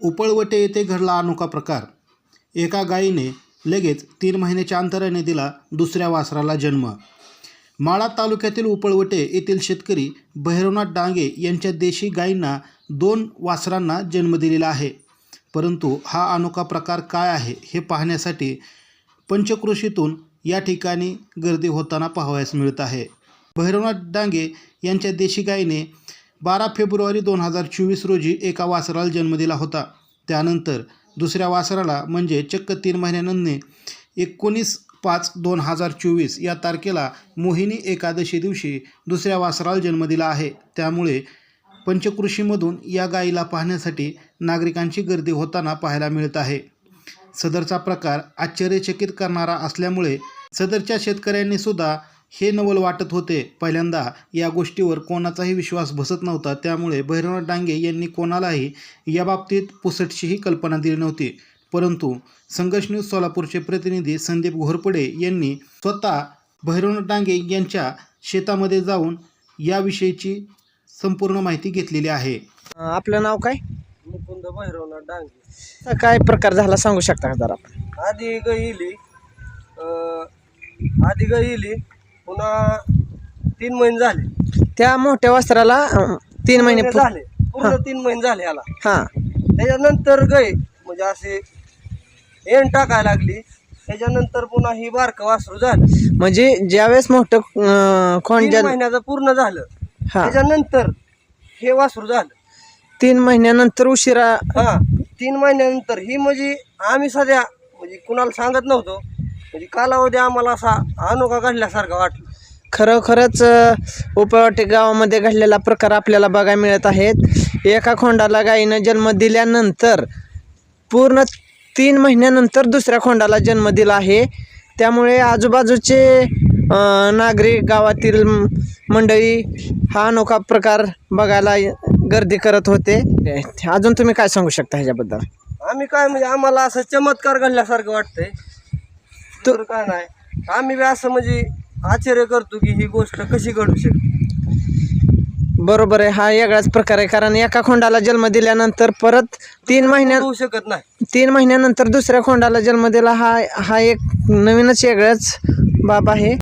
उपळवटे येथे घडला अनोखा प्रकार। एका गायीने लगेच 3 महिन्याच्या अंतराने दिला दुसऱ्या वासराला जन्म। माळा तालुक्यातील उपळवटे येथील शेतकरी भैरवनाथ डांगे यांच्या देशी गायींना 2 वासरांना जन्म दिलेला आहे। परंतु हा अनोखा प्रकार काय आहे हे पाहण्यासाठी पंचक्रोशीतून या ठिकाणी गर्दी होताना पाहावयास मिळत आहे। भैरवनाथ डांगे यांच्या देशी गायीने 12 फेब्रुवारी 2024 रोजी एका वासराला जन्म दिला होता। त्यानंतर दुसऱ्या वासराला म्हणजे चक्क 3 महिन्यानंतर 19/5/2024 या तारखेला मोहिनी एकादशी दिवशी दुसऱ्या वासराला जन्म दिला आहे। त्यामुळे पंचक्रोशीमधून या गायीला पाहण्यासाठी नागरिकांची गर्दी होताना पाहायला मिळत आहे। सदरचा प्रकार आश्चर्यचकित करणारा असल्यामुळे सदरच्या शेतकऱ्यांनी सुद्धा हे नवल वाटत होते। पहिल्यांदा या गोष्टीवर कोणाचाही विश्वास बसत नव्हता। त्यामुळे भैरवनाथ डांगे यांनी कोणालाही याबाबतीत पुसटशीही कल्पना दिली नव्हती। परंतु संघर्ष न्यूज सोलापूरचे प्रतिनिधी संदीप घोरपडे यांनी स्वतः भैरवनाथ डांगे यांच्या शेतामध्ये जाऊन याविषयीची संपूर्ण माहिती घेतलेली आहे। आपलं नाव काय? मुकुंद भैरवनाथ डांगे। काय प्रकार झाला सांगू शकता का जरा? आधी गाय इली पुन्हा 3 महिने झाले। त्या मोठ्या वस्त्राला 3 महिने झाले, पूर्ण 3 महिने झाले याला। हा, त्याच्यानंतर गाय म्हणजे असे एन टाकायला लागली। त्याच्यानंतर पुन्हा ही बारकं वासरू झालं, म्हणजे ज्यावेळेस मोठं 3 महिन्याचं पूर्ण झालं। हा, त्याच्यानंतर हे वासरू झालं 3 महिन्यानंतर उशिरा। 3 महिन्यानंतर ही म्हणजे आम्ही सध्या म्हणजे कुणाला सांगत नव्हतो। म्हणजे कालावधी आम्हाला असा अनोखा घडल्यासारखा वाटलं। खरोखरच उपळवटे गावामध्ये घडलेला प्रकार आपल्याला बघायला मिळत आहेत। एका खोंडाला गायीनं जन्म दिल्यानंतर पूर्ण 3 महिन्यानंतर दुसऱ्या खोंडाला जन्म दिला आहे। त्यामुळे आजूबाजूचे नागरिक, गावातील मंडळी हा अनोखा प्रकार बघायला गर्दी करत होते। अजून तुम्ही काय सांगू शकता ह्याच्याबद्दल? आम्ही काय म्हणजे आम्हाला असं चमत्कार घडल्यासारखं वाटतंय, तर काय नाही। आम्ही बी असं म्हणजे आश्चर्य करतो की ही गोष्ट कशी घडू शकते। बरोबर आहे, हा वेगळाच प्रकार आहे। कारण एका खोंडाला जन्म दिल्यानंतर परत 3 महिन्यात होऊ शकत नाही। 3 महिन्यानंतर दुसऱ्या खोंडाला जन्म दिला हा एक नवीनच वेगळाच बाब आहे।